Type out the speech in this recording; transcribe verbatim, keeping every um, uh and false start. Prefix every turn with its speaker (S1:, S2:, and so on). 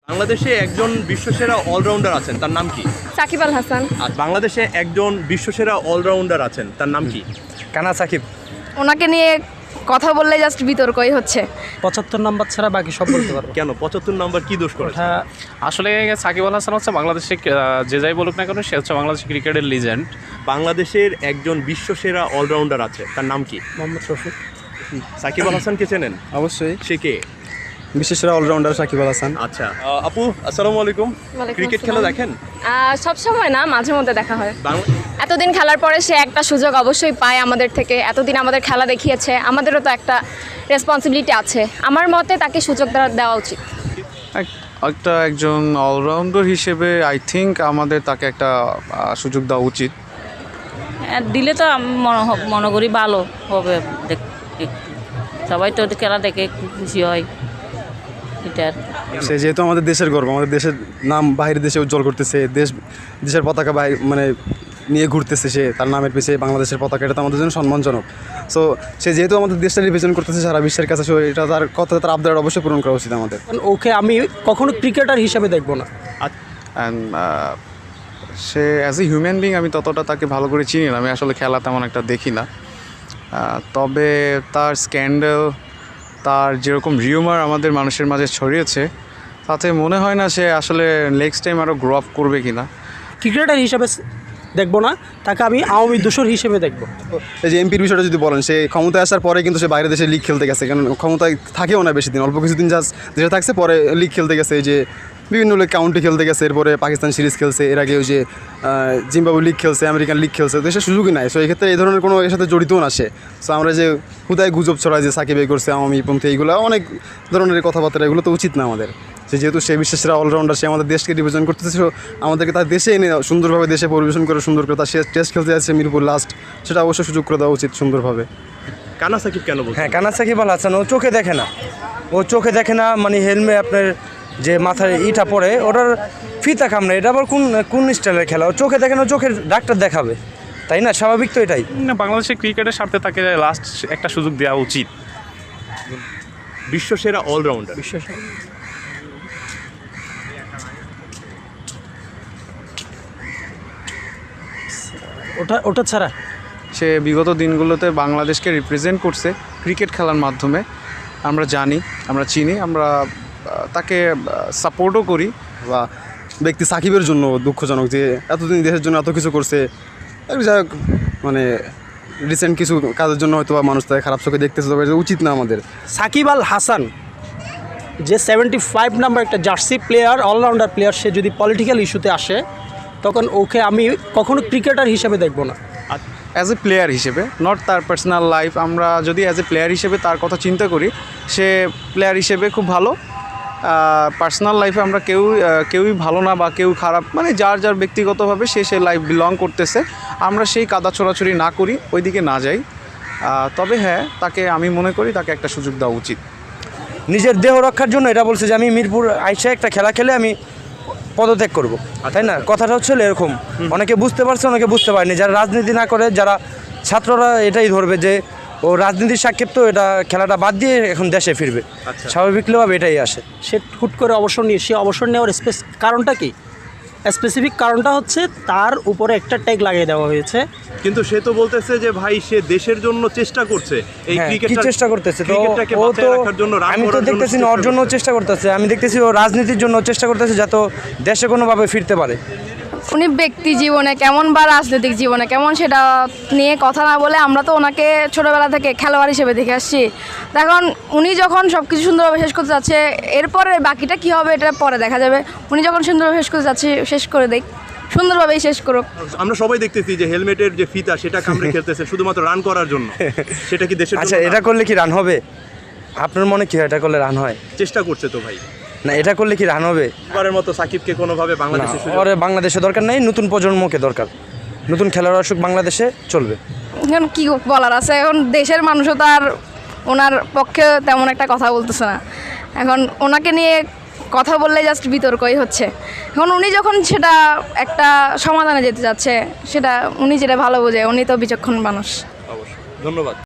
S1: বাংলাদেশে একজন বিশ্বসেরা অলরাউন্ডার আছেন, তার নাম কি?
S2: সাকিব আল হাসান।
S1: আর বাংলাদেশে একজন বিশ্বসেরা অলরাউন্ডার আছেন, তার নাম কি?
S3: কানা সাকিব।
S2: ওনাকে নিয়ে কথা বললে জাস্ট বিতর্কই হচ্ছে।
S3: পঁচাত্তর নাম্বার ছাড়া বাকি সব বলতে পারবো।
S1: কেন পঁচাত্তর নাম্বার কি দোষ করেছে?
S4: আসলে সাকিব আল হাসান হচ্ছে বাংলাদেশে যে যাই বলুক না কেন, সে হচ্ছে বাংলাদেশ ক্রিকেটের লিজেন্ড।
S1: বাংলাদেশের একজন বিশ্বসেরা অলরাউন্ডার আছে, তার নাম কি?
S3: মোহাম্মদ রফিক।
S1: সাকিব আল হাসানকে চেনেন?
S3: অবশ্যই।
S1: সে কে?
S3: বিশ্বসেরা অলরাউন্ডার সাকিব আল হাসান।
S1: আচ্ছা আপু, আসসালামু আলাইকুম। ক্রিকেট খেলা দেখেন?
S2: সব সময় না, মাঝে মধ্যে দেখা হয়।
S1: বাংলা
S2: এতদিন খেলার পরে সে একটা সুযোগ অবশ্যই পায় আমাদের থেকে। এতদিন আমাদের খেলা দেখিয়েছে, আমাদেরও তো একটা রেসপন্সিবিলিটি আছে। আমার মতে তাকে সুযোগ দেওয়া- দেওয়া উচিত।
S5: একটা একজন অলরাউন্ডার হিসেবে আই থিঙ্ক আমাদের তাকে একটা আহ, সুযোগ দেওয়া উচিত।
S6: হ্যাঁ, দিলে তো আমি মনে হ- মনে করি ভালো হবে। দেখ- একটু সবাই তো খেলা দেখে একটু খুশি হয় এটার।
S7: সে যেহেতু আমাদের দেশের গর্ব, আমাদের দেশের নাম বাইরের দেশে উজ্জ্বল করতেছে, দেশ দেশের পতাকা বাইরে মানে নিয়ে ঘুরতেছে, সে তার নামের পিছিয়ে বাংলাদেশের পতাকা, এটা তো আমাদের জন্য সম্মানজনক। সো সে যেহেতু আমাদের দেশটা রিপ্রেজেন্ট করতেছে সারা বিশ্বের কাছে, সো এটা তার কথা, তার আবদার অবশ্যই পূরণ করা উচিত আমাদের।
S3: ওকে আমি কখনো ক্রিকেটার হিসেবে দেখবো না।
S5: অ্যান্ড সে অ্যাজ এ হিউম্যান বিং আমি ততটা তাকে ভালো করে চিনি না, আমি আসলে খেলা তেমন একটা দেখি না। আহ, তবে তার স্ক্যান্ডেল, তার যেরকম রিউমার আমাদের মানুষের মাঝে ছড়িয়েছে, তাতে মনে হয় না সে আসলে নেক্সট টাইম আরও গ্রো আপ করবে কি না।
S3: ক্রিকেটার হিসেবে দেখবো না, তাকে আমি আওয়ামী দোসর হিসেবে দেখবো।
S7: এই যে এমপির বিষয়টা যদি বলেন, সে ক্ষমতায় আসার পরে কিন্তু সে বাইরের দেশে লিগ খেলতে গেছে, কারণ ক্ষমতায় থাকেও না বেশি দিন, অল্প কিছুদিন জাস্ট দেশে থাকছে, পরে লিগ খেলতে গেছে, এই যে বিভিন্ন লিগ কাউন্টি খেলতে গেছে, এরপরে পাকিস্তান সিরিজ খেলছে, এর আগে ওই যে জিম্বাবু লিগ খেলছে, আমেরিকান লিগ খেলছে, তো সে সুযোগই নাই। সো এই ক্ষেত্রে এই ধরনের কোনো এর সাথে জড়িতও না সে। সো আমরা যে হুদায় গুজব ছড়াই যে সাকিব এই করছে, আওয়ামী পন্থী, এইগুলো অনেক ধরনের কথাবার্তা, এগুলো তো উচিত না আমাদের। সে যেহেতু সে বিশ্বসেরা অলরাউন্ডার, সে আমাদের দেশকে রিপ্রেজেন্ট করতেছে, সো আমাদেরকে তার দেশে এনে সুন্দরভাবে দেশে পরিবেশন করে সুন্দর করে তার সে টেস্ট খেলতে যাচ্ছে মিরপুর লাস্ট, সেটা অবশ্যই সুযোগ করে দেওয়া উচিত সুন্দরভাবে।
S1: কানা সাকিব কেন বলছেন?
S8: হ্যাঁ, কানা সাকিব আল হাসান ও চোখে দেখে না, ও চোখে দেখে না মানে হেলমেট আপনার যে মাথায় ইটা পড়ে ওটার ফিতা কামড়ে, এটা আবার কোন কোন স্টাইলের খেলা? ও চোখে দেখে না, চোখের ডাক্তার দেখাবে, তাই না? স্বাভাবিক তো এটাই।
S4: না, বাংলাদেশের ক্রিকেটের স্বার্থে তাকে লাস্ট একটা সুযোগ দেওয়া উচিত।
S1: বিশ্বসেরা অলরাউন্ডার।
S3: ওটা ওটা ছাড়া
S5: সে বিগত দিনগুলোতে বাংলাদেশকে রিপ্রেজেন্ট করছে ক্রিকেট খেলার মাধ্যমে, আমরা জানি, আমরা চিনি, আমরা আহ, তাকে সাপোর্টও করি।
S7: বা ব্যক্তি সাকিবের জন্য দুঃখজনক যে এতদিন দেশের জন্য এত কিছু করছে, আর যাই হোক, মানে রিসেন্ট কিছু কাজের জন্য হয়তো বা মানুষ তাকে খারাপ চোখে দেখতেছে, তবে এটা উচিত না আমাদের।
S3: সাকিব আল হাসান যে সেভেন্টি ফাইভ নাম্বার একটা জার্সি প্লেয়ার, অলরাউন্ডার প্লেয়ার, সে যদি পলিটিক্যাল ইস্যুতে আসে তখন ওকে আমি কখনো ক্রিকেটার হিসেবে দেখবো না।
S5: অ্যাজ এ প্লেয়ার হিসেবে, নট তার পার্সোনাল লাইফ। আমরা যদি অ্যাজ এ প্লেয়ার হিসেবে তার কথা চিন্তা করি, সে প্লেয়ার হিসেবে খুব ভালো। পার্সোনাল লাইফে আমরা কেউ কেউই ভালো না বা কেউ খারাপ, মানে যার যার ব্যক্তিগতভাবে সে সে লাইফ বিলং করতেছে, আমরা সেই কাদা ছোড়াছড়ি না করি, ওই দিকে না যাই। আহ, তবে হ্যাঁ, তাকে আমি মনে করি তাকে একটা সুযোগ দেওয়া উচিত।
S8: নিজের দেহ রক্ষার জন্য এটা বলছে যে আমি মিরপুর আইসা একটা খেলা খেলে আমি পদত্যাগ করব, তাই না? কথাটা হচ্ছে এরকম। অনেকে বুঝতে পারছে, অনেকে বুঝতে পারেনি। যারা রাজনীতি না করে, যারা ছাত্ররা এটাই ধরবে যে ও রাজনীতির সাক্ষেপ, তো এটা খেলাটা বাদ দিয়ে এখন দেশে ফিরবে, স্বাভাবিকভাবে এটাই আসে।
S3: সে হুট করে অবসর নিয়ে, সে অবসর নেওয়ার স্পেস কারণটা কি? স্পেসিফিক কারণটা হচ্ছে তার উপরে একটা ট্যাগ লাগিয়ে দেওয়া হয়েছে।
S1: কিন্তু সে তো বলতেছে যে ভাই সে দেশের জন্য চেষ্টা করছে, এই
S8: হ্যাঁ, কি
S1: ক্রিকেট
S8: চেষ্টা করতেছে? তো
S1: ক্রিকেটটাকে
S8: ও
S1: বাঁচিয়ে
S8: তো
S1: রাখার জন্য, রান
S8: আমি তো
S1: করার জন্য
S8: দেখতেছি না ওর জন্য চেষ্টা করতেছে, আমি দেখতেছি ও রাজনীতির জন্য চেষ্টা করতেছে যাতে ও দেশে কোনোভাবে ফিরতে পারে।
S2: উনি ব্যক্তি জীবনে কেমন বা রাজনৈতিক জীবনে কেমন সেটা নিয়ে কথা না বলে, আমরা তো ওনাকে ছোটোবেলা থেকে খেলোয়াড় হিসেবে দেখে আসছি। এখন উনি যখন সব কিছু সুন্দরভাবে শেষ করতে যাচ্ছে, এরপরে বাকিটা কী হবে এটা পরে দেখা যাবে। উনি যখন সুন্দরভাবে শেষ করতে যাচ্ছে, শেষ করে দেখ, সুন্দরভাবেই শেষ করুক।
S1: আমরা সবাই দেখতেছি যে হেলমেটের যে ফিতা সেটা কামড়ে খেলতেছে শুধুমাত্র রান করার জন্য। সেটা কি দেশের
S8: আচ্ছা,
S1: জন্য
S8: এটা
S1: না?
S8: করলে কি রান হবে? আপনার মনে কি হয় এটা করলে রান হয়?
S1: চেষ্টা করছে তো ভাই।
S8: না, এটা করলে কি রান হবে?
S1: এবারের মতো সাকিবকে কোনোভাবে
S8: না,
S1: বাংলাদেশে সুযোগ-
S8: ওরে বাংলাদেশে দরকার নেই, নতুন প্রজন্মকে দরকার। নতুন খেলোয়াড় আসুক, বাংলাদেশে চলবে।
S2: এখন কী বলার আছে? এখন দেশের মানুষও তার ওনার পক্ষে তেমন একটা কথা বলতেছে না। এখন ওনাকে নিয়ে কথা বললে জাস্ট বিতর্কই হচ্ছে। এখন উনি যখন সেটা একটা সমাধানে যেতে যাচ্ছে, সেটা উনি যেটা ভালো বোঝে, উনি তো বিচক্ষণ মানুষ।
S1: অবশ্যই, ধন্যবাদ।